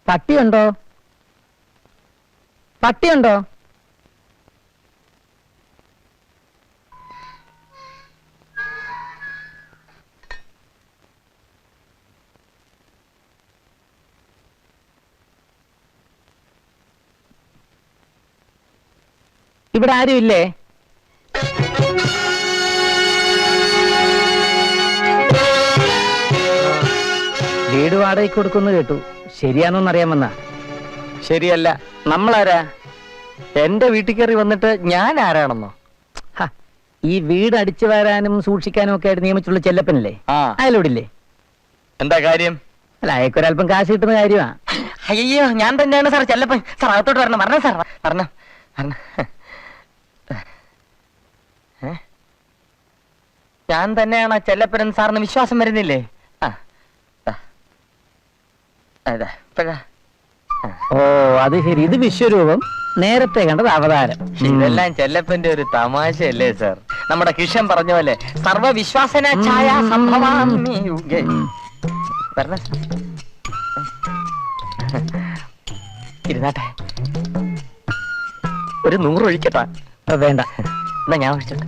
പട്ടിയുണ്ടോ? പട്ടിയുണ്ടോ? ഇവിടെ ആരും ഇല്ലേ? വീട് വാടകയ്ക്ക് കൊടുക്കുന്നു കേട്ടു. ശരിയാണോന്നറിയാമെന്നാ. ശരിയല്ല. നമ്മളാരാ? എന്റെ വീട്ടിൽ കയറി വന്നിട്ട് ഞാൻ ആരാണെന്നോ? ഈ വീട് അടിച്ചു വരാനും സൂക്ഷിക്കാനും ഒക്കെ ആയിട്ട് നിയമിച്ചുള്ള ചെല്ലപ്പനല്ലേ, അയാളോടില്ലേ? എന്താ കാര്യം? അല്ല, അയക്കൊരല്പം കാശ് കിട്ടുന്ന കാര്യമാ. അയ്യോ, ഞാൻ തന്നെയാണ് സാർ ചെല്ലപ്പൻ. സാർ അകത്തോട്ട് വരണം. പറഞ്ഞ സാർ പറഞ്ഞ. ഞാൻ തന്നെയാണ് ചെല്ലപ്പൻ സാറിന് വിശ്വാസം വരുന്നില്ലേ? ഓ, അത് ശരി. ഇത് വിശ്വരൂപം, നേരത്തെ കണ്ടത് അവതാരം. ഇതെല്ലാം ചെല്ലപ്പന്റെ ഒരു തമാശയല്ലേ സാർ? നമ്മുടെ കിഷൻ പറഞ്ഞ പോലെ സർവവിശ്വാസന ഛായ സംഭവാമി യുഗേ. ഇരുന്നാട്ടെ, ഒരു 100 ഒഴിക്കട്ടാ? വേണ്ട, എന്നാ ഞാൻ ഒഴിച്ചോട്ടെ.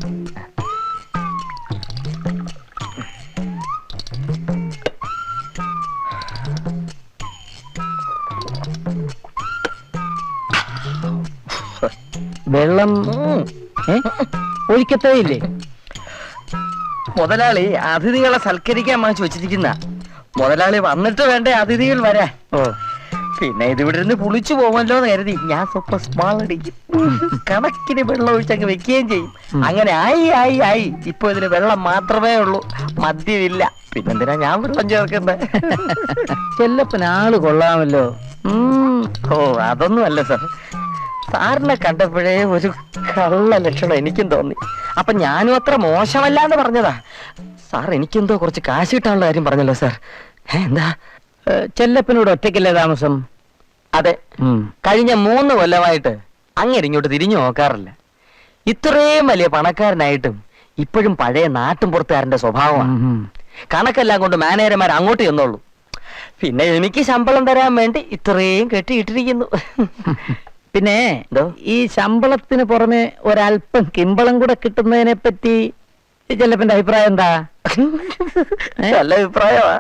വെള്ളം ഒഴിക്കത്തേ ഇല്ലേ? മുതലാളി അതിഥികളെ സൽക്കരിക്കാൻ വാങ്ങിച്ചു വെച്ചിരിക്കുന്ന. മുതലാളി വന്നിട്ട് വേണ്ടേ അതിഥികൾ വരാ. ഓ, പിന്നെ ഇതിവിടെ ഇരുന്ന് പുളിച്ചു പോകുമല്ലോ എന്ന് കരുതി ഞാൻ സ്വപ്പം സ്മാൾ അടിക്കും. കണക്കിന് വെള്ളം ഒഴിച്ചങ്ങ് വെക്കുകയും ചെയ്യും. അങ്ങനെ ആയി ഇപ്പൊ ഇതിന് വെള്ളം മാത്രമേ ഉള്ളൂ, മദ്യമില്ല. പിന്നെന്തിനാ ഞാൻ വെള്ളം ചേർക്കണ്ടേ? ചെല്ലപ്പൻ ആള് കൊള്ളാമല്ലോ. ഓ, അതൊന്നും അല്ല സാർ. സാറിനെ കണ്ടപ്പോഴേ ഒരു കള്ള ലക്ഷണം എനിക്കും തോന്നി. അപ്പൊ ഞാനും അത്ര മോശമല്ലാന്ന് പറഞ്ഞതാ. സാർ എനിക്കെന്തോ കുറച്ച് കാശ് കിട്ടാനുള്ള കാര്യം പറഞ്ഞല്ലോ സാർ. എന്താ? ചെല്ലപ്പനോട് ഒറ്റയ്ക്കല്ലേ താമസം? അതെ. കഴിഞ്ഞ 3 കൊല്ലമായിട്ട് അങ്ങനെ ഇങ്ങോട്ട് തിരിഞ്ഞു നോക്കാറില്ല. ഇത്രയും വലിയ പണക്കാരനായിട്ടും ഇപ്പോഴും പഴയ നാട്ടും പുറത്തുകാരന്റെ സ്വഭാവമാണ്. കണക്കെല്ലാം കൊണ്ട് മാനേജർമാർ അങ്ങോട്ട് ചെന്നോളൂ. പിന്നെ എനിക്ക് ശമ്പളം തരാൻ വേണ്ടി ഇത്രയും കെട്ടിയിട്ടിരിക്കുന്നു. പിന്നെ ഈ ശമ്പളത്തിന് പുറമെ ഒരല്പം കിമ്പളം കൂടെ കിട്ടുന്നതിനെ പറ്റി ചെല്ലപ്പന്റെ അഭിപ്രായം എന്താ? നല്ല അഭിപ്രായമാ.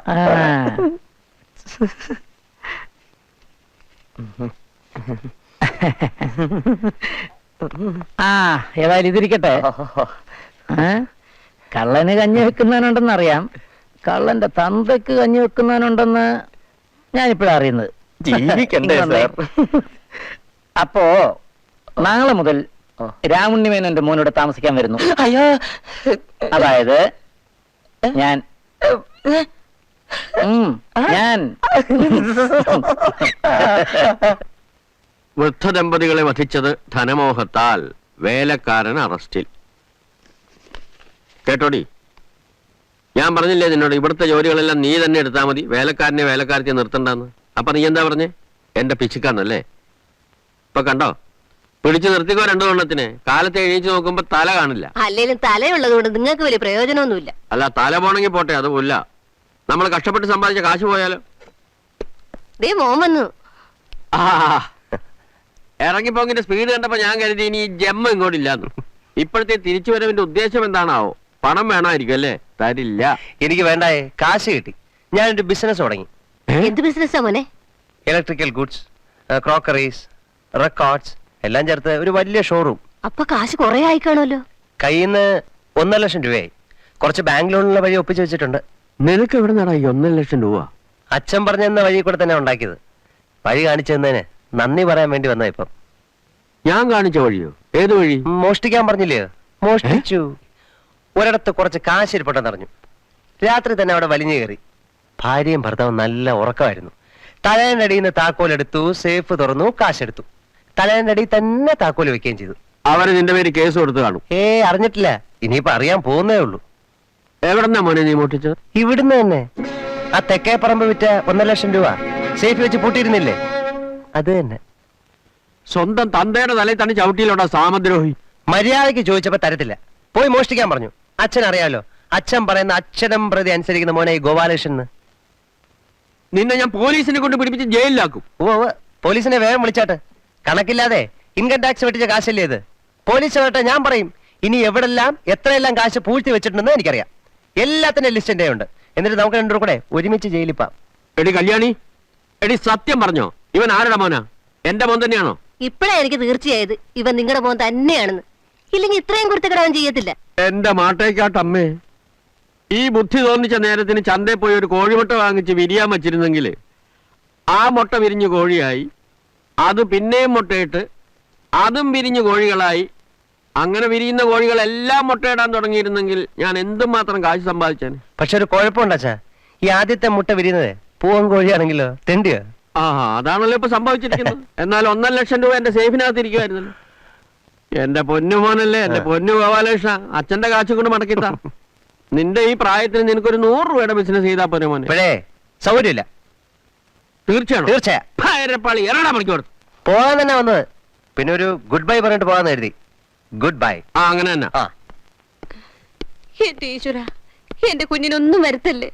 ഏതായാലും ഇതിരിക്കട്ടെ. കള്ളന് കഞ്ഞി വെക്കുന്നവനുണ്ടെന്ന് അറിയാം, കള്ളന്റെ തന്തയ്ക്ക് കഞ്ഞി വെക്കുന്നവനുണ്ടെന്ന് ഞാനിപ്പോഴാ അറിയുന്നത്. ജീവിക്കണ്ടേ സാർ? അപ്പോ നാളെ മുതൽ രാമുണ്ണിമേനോന്റെ മോനോട് താമസിക്കാൻ വരുന്നു. അയ്യോ, അതായത് ഞാൻ വൃദ്ധദമ്പതികളെ വധിച്ചത് ധനമോഹത്താൽ വേലക്കാരൻ അറസ്റ്റിൽ. കേട്ടോടി, ഞാൻ പറഞ്ഞില്ലേ നിന്നോട് ഇവിടുത്തെ ജോലികളെല്ലാം നീ തന്നെ എടുത്താൽ മതി, വേലക്കാരനെ വേലക്കാരത്തെ നിർത്തണ്ടെന്ന്. അപ്പൊ നീ എന്താ പറഞ്ഞേ? എന്റെ പിശുക്കാന്നല്ലേ? ഇപ്പൊ കണ്ടോ, പിടിച്ചു നിർത്തിക്കോ 2 എണ്ണത്തിന്. കാലത്ത് എണീച്ച് നോക്കുമ്പോ തല കാണില്ല. അല്ലേലും തലയുള്ളത് കൊണ്ട് നിങ്ങൾക്ക് വലിയ പ്രയോജനമൊന്നുമില്ല. അല്ല, തല പോണെങ്കിൽ പോട്ടെ, അത് പോല്ല. നമ്മൾ കഷ്ടപ്പെട്ട് സമ്പാദിച്ച കാശ് പോയാലോ? ദേ മോൻ വന്നു. ഇറങ്ങിപ്പോങ്ങിന്റെ സ്പീഡ് കണ്ടപ്പോ ഞാൻ കരുതി ഇനി ജമ്മ ഇങ്ങോട്ടില്ലാന്ന്. ഇപ്പോഴത്തെ തിരിച്ചുവരവിന്റെ ഉദ്ദേശം എന്താണാവോ? പണം വേണമായിരിക്കും അല്ലേ? തരില്ല. എനിക്ക് വേണ്ടായേ, കാശ് കിട്ടി. ഞാനൊരു ബിസിനസ് തുടങ്ങി. എന്ത് ബിസിനസ്സാ മോനെ? ഇലക്ട്രിക്കൽ ഗുഡ്സ്, ക്രോക്കറീസ്, റെക്കോർഡ്സ് എല്ലാം ചേർത്ത് ഒരു വലിയ ഷോറൂം. അപ്പൊ കാശ് കുറെ ആയി കാണുമല്ലോ. കയ്യിൽ നിന്ന് 1.5 ലക്ഷം രൂപയായി. കുറച്ച് ബാങ്ക് ലോണിനുള്ള വഴി ഒപ്പിച്ചു വെച്ചിട്ടുണ്ട്. നിനക്ക് എവിടെ നിന്നാണ് 1.5 ലക്ഷം രൂപ? അച്ഛൻ പറഞ്ഞെന്ന വഴി കൂടെ തന്നെ ഉണ്ടാക്കിയത്. വഴി കാണിച്ചു തന്നതിന് നന്ദി പറയാൻ വേണ്ടി വന്ന. ഇപ്പം ഞാൻ കാണിച്ച വഴിയോ? ഏത് വഴി? മോഷ്ടിക്കാൻ പറഞ്ഞില്ലേ? മോഷ്ടിച്ചു. ഒരിടത്ത് കുറച്ച് കാശ് ഇരിപ്പുണ്ടെന്ന് അറിഞ്ഞു. രാത്രി തന്നെ അവിടെ വലിഞ്ഞു കയറി. ഭാര്യയും ഭർത്താവും നല്ല ഉറക്കമായിരുന്നു. തലേന്റെ അടിയിൽ നിന്ന് താക്കോലെടുത്തു, സേഫ് തുറന്നു, കാശെടുത്തു. തലേന്റെ അടിയിൽ തന്നെ താക്കോല് വെക്കുകയും ചെയ്തു. അവര് നിന്റെ പേര് കേസ് കൊടുത്തു കാണും. അറിഞ്ഞിട്ടില്ല, ഇനിയിപ്പോ അറിയാൻ പോകുന്നേ ഉള്ളൂ. എവിടെന്നാ മോനെ നീ മോട്ടിച്ചത്? ഇവിടുന്ന് തന്നെ. ആ തെക്കേ പറമ്പ് വിറ്റ 1.5 ലക്ഷം രൂപ സേഫ് വെച്ച് പൂട്ടിയിരുന്നില്ലേ, അത് തന്നെ. സ്വന്തം തന്തയുടെ തലയിൽ തന്നെ ചവിട്ടിയിലോട്ടാ സാമദ്രോഹി. മര്യാദയ്ക്ക് ചോദിച്ചപ്പോ തരത്തില്ല. പോയി മോഷ്ടിക്കാൻ പറഞ്ഞു. അച്ഛൻ അറിയാലോ, അച്ഛൻ പറയുന്ന അക്ഷരം പ്രതി അനുസരിക്കുന്ന മോനെ ഈ ഗോപാലകൃഷ്ണൻ. നിന്നെ ഞാൻ പോലീസിനെ കൊണ്ട് പിടിപ്പിച്ച് ജയിലിലാക്കും. ഓ പോലീസിനെ വേഗം വിളിച്ചാട്ട്. കണക്കില്ലാതെ ഇൻകം ടാക്സ് വെട്ടിച്ച കാശല്ലേ ഇത്. പോലീസ് കേട്ടെ ഞാൻ പറയും. ഇനി എവിടെല്ലാം എത്രയെല്ലാം കാശ് പൂഴ്ത്തി വെച്ചിട്ടുണ്ടെന്ന് എനിക്കറിയാം. എല്ലാത്തിന്റെ ലിസ്റ്റ് എന്റെ ഉണ്ട്. എന്നിട്ട് നമുക്ക് രണ്ടു കൂടെ ഒരുമിച്ച് ജയിലിപ്പാം. എടി കല്യാണി, എടി സത്യം പറഞ്ഞോ, ഇവൻ ആരുടെ മോനാ? എന്റെ മോൻ തന്നെയാണോ? ഇപ്പഴാ എനിക്ക് തീർച്ചയായത് ഇവൻ നിങ്ങളുടെ മോൻ തന്നെയാണെന്ന്. ഇല്ലെങ്കിൽ ഇത്രയും കുരുത്തക്കിടവൻ ചെയ്യത്തില്ല. എന്റെ മാട്ടേക്കാട്ടമ്മേ, ഈ ബുദ്ധി തോന്നിച്ച നേരത്തിന് ചന്തയിൽ പോയി ഒരു കോഴിമുട്ട വാങ്ങിച്ച് വിരിയാൻ വച്ചിരുന്നെങ്കിൽ ആ മുട്ട വിരിഞ്ഞു കോഴിയായി, അത് പിന്നെയും മുട്ടയിട്ട് അതും വിരിഞ്ഞു കോഴികളായി, അങ്ങനെ വിരിയുന്ന കോഴികളെല്ലാം മുട്ടയിടാൻ തുടങ്ങിയിരുന്നെങ്കിൽ ഞാൻ എന്തുമാത്രം കാശ് സമ്പാദിച്ചേനെ. പക്ഷെ ഒരു കുഴപ്പമുണ്ടാച്ചാ, ഈ ആദ്യത്തെ മുട്ട വിരിയുന്നത് പൂവൻ കോഴിയാണെങ്കിലോ തെണ്ടിയോ? ആ അതാണല്ലോ ഇപ്പൊ സംഭവിച്ചിരിക്കുന്നത്. എന്നാൽ 1.5 ലക്ഷം രൂപ എന്റെ സേഫിനകത്ത് ഇരിക്കുമായിരുന്നല്ലോ. എന്റെ പൊന്നു മോനല്ലേ, എന്റെ പൊന്നു ഗോപാലകൃഷ്ണ, അച്ഛന്റെ കാശ് കൊണ്ട് മടക്കിത്താ. നിന്റെ ഈ പ്രായത്തിന് നിനക്കൊരു 100 രൂപയുടെ ബിസിനസ് ചെയ്താൽ പോരെ മോനെ? ഇപ്പോഴേ സൗകര്യമില്ല. തീർച്ചയാണോ? തീർച്ചയാ. ഭയരപ്പാളി എറണാ മണിക്കൂർ പോകാൻ തന്നെ വന്നത്. പിന്നെ ഒരു ഗുഡ് ബൈ പറഞ്ഞിട്ട് പോകാന്ന് കരുതി. Good bye. ആ അങ്ങനെ തന്നെ. ആ എന്റെ ഈശ്വര, എന്റെ കുഞ്ഞിനൊന്നും വരുത്തല്ലേ.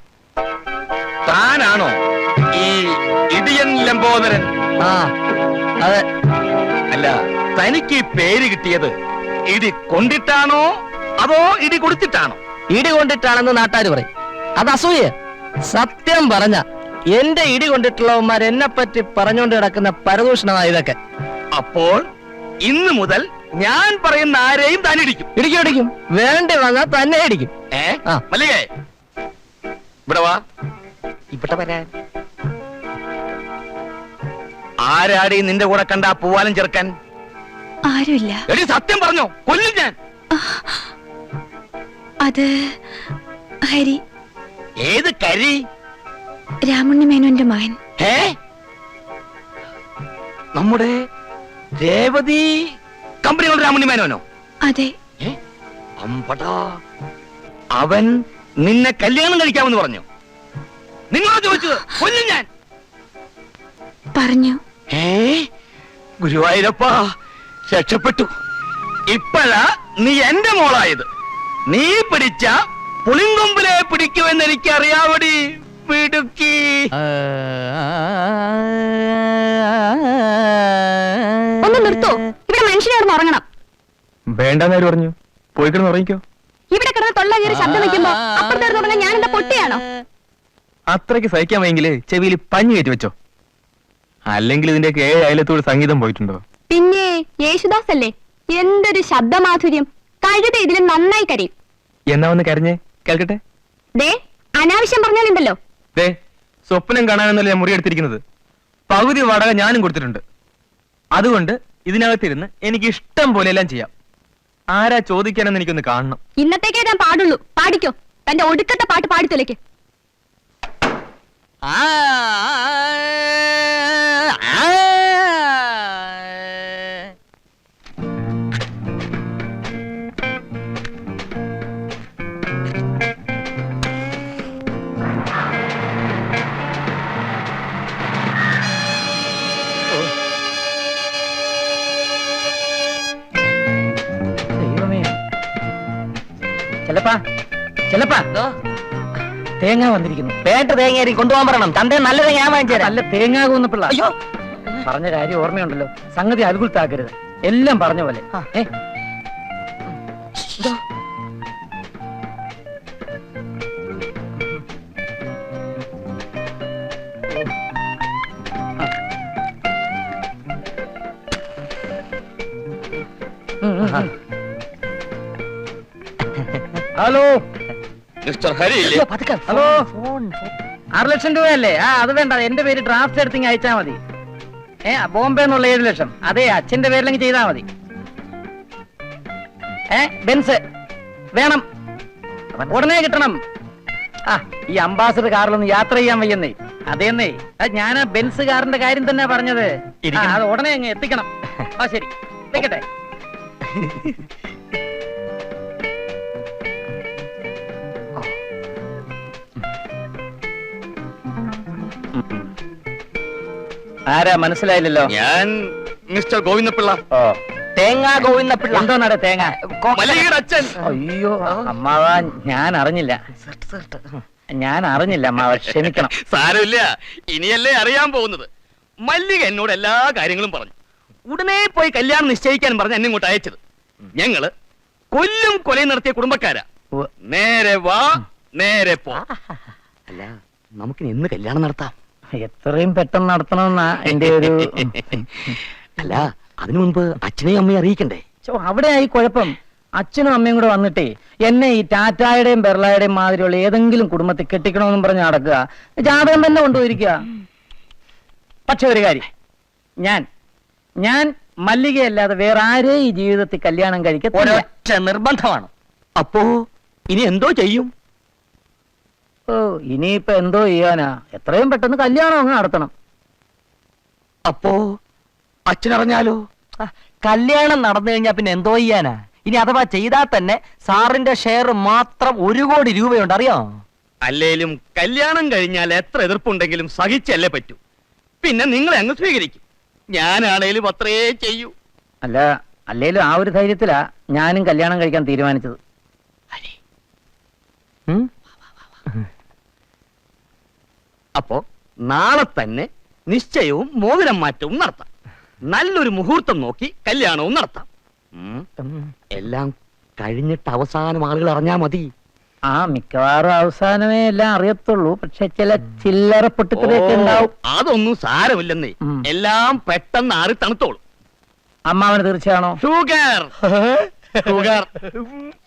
താനാണോ ഈ ഇടിയൻ ലംബോദരൻ? ആ അതെ. അല്ല, തനിക്ക് ഈ പേര് കിട്ടിയത് ഇടി കൊണ്ടിട്ടാണോ അതോ ഇടി കൊടുത്തിട്ടാണോ? ഇടി കൊണ്ടിട്ടാണെന്ന് നാട്ടാര് പറയും. അത് അസൂയ. സത്യം പറഞ്ഞ എന്റെ ഇടി കൊണ്ടിട്ടുള്ളവന്മാർ എന്നെ പറ്റി പറഞ്ഞുകൊണ്ട് കിടക്കുന്ന പരദൂഷണമാണ് ഇതൊക്കെ. അപ്പോൾ ഇന്ന് മുതൽ ഞാൻ പറയുന്ന ആരെയും താൻ ഇടിക്കും. ഇടിക്കും. വേണ്ടി വന്നാൽ തന്നെ ഇടിക്കും. ആ. മല്ലികേ, ഇവിടെ വാ. ഇവിടെ വരാൻ ആരാടി നിന്റെ കൂടെ കണ്ട ആ പൂവാലം ചെറുക്കൻ? ആരുമില്ല. എടി സത്യം പറഞ്ഞോ, കൊല്ലും ഞാൻ. അത് ഹരി, ഏത് കരി? രാമുണ്ണി മേനോന്റെ മകൻ. ഏ, നമ്മുടെ രേവതി കമ്പനികളുടെ രാമുണ്ണി മേനോനോ? അതെ. അമ്പടാ, അവൻ നിന്നെ കല്യാണം കഴിക്കാമെന്ന് പറഞ്ഞു. നിങ്ങളോട് ചോദിച്ചത്, കൊല്ലും ഞാൻ. പറഞ്ഞു. ഗുരുവായൂരപ്പ, രക്ഷപ്പെട്ടു. ഇപ്പഴാ നീ എന്റെ മോളായത്. നീ പിടിച്ച പുളിങ്കൊമ്പിലെ പിടിക്കുമെന്ന് എനിക്ക് അറിയാവടി പിടുക്കി. ഒന്ന് നിർത്തോ, ഇവിടെ മനുഷ്യനെ കിടന്ന് ഉറങ്ങണം. വേണ്ടെന്നാര് പറഞ്ഞു? പോയി കിടന്ന് ഉറങ്ങിക്കോ. ഇവിടെ കിടന്ന് തൊള്ള കയറി ശബ്ദം വെക്കുമ്പോ അപ്പുറത്ത് കിടന്ന് ഉറങ്ങാൻ ഞാൻ എന്താ പൊട്ടിയാണോ? അത്രയ്ക്ക് സഹിക്കാൻ വയ്യെങ്കില് ചെവിയിൽ പഞ്ഞു കയറ്റി വെച്ചോ. അല്ലെങ്കിൽ ഇതിന്റെ 7 അയലത്തോട് സംഗീതം പോയിട്ടുണ്ടോ? പിന്നെ യേശുദാസ് അല്ലേ, എന്തൊരു ശബ്ദമാധുര്യം. കഴുത ഇതിലും നന്നായി കരയും. എന്നാ ഒന്ന് കരഞ്ഞേ കേൾക്കട്ടെ. ദേ, അനാവശ്യം പറഞ്ഞാലുണ്ടല്ലോ. ദേ, സ്വപ്നം കാണാനെന്നല്ല ഞാൻ മുറിയെടുത്തിരിക്കുന്നത്. പകുതി വാടക ഞാനും കൊടുത്തിട്ടുണ്ട്. അതുകൊണ്ട് ഇതിനകത്തിരുന്ന് എനിക്ക് ഇഷ്ടം പോലെ എല്ലാം ചെയ്യാം. ആരാ ചോദിക്കാനെന്ന് എനിക്കൊന്ന് കാണണം. ഇന്നത്തേക്കേ ഞാൻ പാടുള്ളൂ. പാടിക്കോ, തന്റെ ഒടുക്കത്തെ പാട്ട് പാടിത്തൊലയ്ക്ക്. ചെലപ്പാ തേങ്ങ വന്നിരിക്കുന്നു. വേണ്ട തേങ്ങ കൊണ്ടുപോകാൻ പറയണം. തന്റെ നല്ല തേങ്ങ ഞാൻ വാങ്ങിച്ചു തരാം. നല്ല തേങ്ങ കൂന്നപ്പിള്ള. അയ്യോ, പറഞ്ഞ കാര്യം ഓർമ്മയുണ്ടല്ലോ. സംഗതി അത്ഭുതത്താക്കരുത്. എല്ലാം പറഞ്ഞ പോലെ. ഹലോ മിസ്റ്റർ ഹരി ഇല്ലേ? ഹലോ, 6 ലക്ഷം രൂപയല്ലേ? അത് വേണ്ട, എന്റെ പേര് ഡ്രാഫ്റ്റ് എടുത്തിങ് അയച്ചാ മതി. ബോംബെ എന്നുള്ള 7 ലക്ഷം. അതെ, അച്ഛന്റെ പേരിലെങ്കിൽ ചെയ്താ മതി. ബെൻസ് വേണം, ഉടനെ കിട്ടണം. ഈ അംബാസഡർ കാറിലൊന്ന് യാത്ര ചെയ്യാൻ വയ്യെന്നേ. അതേന്നേ, ഞാൻ ബെൻസ് കാറിന്റെ കാര്യം തന്നെ പറഞ്ഞത്. അത് ഉടനെ അങ്ങ് എത്തിക്കണം. ശരി, വെക്കട്ടെ. ആരാ മനസ്സിലായില്ലല്ലോ? ഞാൻ മിസ്റ്റർ ഗോവിന്ദപിള്ള. തേങ്ങ ഗോവിന്ദപിള്ള. എന്തോന്നാടെ തേങ്ങ? മല്ലികയുടെ അച്ഛൻ. അയ്യോ അമ്മാവാ, ഞാൻ അറിഞ്ഞില്ല. ഞാൻ അറിഞ്ഞില്ല അമ്മാവ, ക്ഷമിക്കണം. സാരമില്ല, ഇനിയല്ലേ അറിയാൻ പോകുന്നത്. മല്ലിക എന്നോട് എല്ലാ കാര്യങ്ങളും പറഞ്ഞു. ഉടനെ പോയി കല്യാണം നിശ്ചയിക്കാൻ പറഞ്ഞ് എന്നെ ഇങ്ങോട്ട് അയച്ചത്. ഞങ്ങള് കൊല്ലും കൊലയും നടത്തിയ കുടുംബക്കാരാ. ഉവ്വ്. നേരെ വാ നേരെ പോ. അല്ല, നമുക്കിനി എന്ന് കല്യാണം നടത്താം? എത്രയും പെട്ടെന്ന് നടത്തണമെന്നാ എന്റെ ഒരു അല്ല, അതിനു മുൻപ് അച്ഛനെയും അമ്മയും അറിയിക്കണ്ടേ? അവിടെ ആയി കുഴപ്പം. അച്ഛനും അമ്മയും കൂടെ വന്നിട്ടേ എന്നെ ഈ ടാറ്റായുടെയും ബെർളയുടെയും മാതിരിയുള്ള ഏതെങ്കിലും കുടുംബത്തിൽ കെട്ടിക്കണമെന്നും പറഞ്ഞ് നടക്കുക. ജാതകം തന്നെ കൊണ്ടുപോയിരിക്കുക. പക്ഷെ ഒരു കാര്യം, ഞാൻ മല്ലികയല്ലാതെ വേറെ ആരെയും ഈ ജീവിതത്തിൽ കല്യാണം കഴിക്കത്തില്ല. ഒരൊറ്റ നിർബന്ധമാണ്. അപ്പോ ഇനി എന്തോ ചെയ്യും? ഓ, ഇനിയിപ്പോ എന്തോ ചെയ്യാനാ? എത്രയും പെട്ടെന്ന് കല്യാണം അങ്ങ് നടത്തണം. അപ്പോ അച്ഛനറിഞ്ഞാലോ? കല്യാണം നടന്നു കഴിഞ്ഞാ പിന്നെ എന്തോ ചെയ്യാനാ? ഇനി അഥവാ ചെയ്താൽ തന്നെ സാറിന്റെ ഷെയർ മാത്രം 1 കോടി രൂപയുണ്ട്, അറിയോ? അല്ലേലും കല്യാണം കഴിഞ്ഞാൽ എത്ര എതിർപ്പുണ്ടെങ്കിലും സഹിച്ചല്ലേ പറ്റൂ. പിന്നെ നിങ്ങളെ അങ്ങ് സ്വീകരിക്കും. ഞാനാണേലും അത്രേ ചെയ്യൂ. അല്ലേലും ആ ഒരു ധൈര്യത്തിലാ ഞാനും കല്യാണം കഴിക്കാൻ തീരുമാനിച്ചത്. ഉം? അപ്പോ നാളെ തന്നെ നിശ്ചയവും മോതിരം മാറ്റവും നടത്താം. നല്ലൊരു മുഹൂർത്തം നോക്കി കല്യാണവും നടത്താം. എല്ലാം കഴിഞ്ഞിട്ട് അവസാനം ആളുകൾ അറിഞ്ഞാ മതി. മിക്കവാറും അവസാനമേ എല്ലാം അറിയത്തുള്ളൂ. പക്ഷെ ചില ചില്ലറ പൊട്ടിത്തെറിയൊക്കെ ഉണ്ടാവും. അതൊന്നും സാരമില്ലെന്നേ. എല്ലാം പെട്ടെന്ന് ആറി തണുത്തോളും. അമ്മാവന് തീർച്ചയാണോ? ഷുഗർ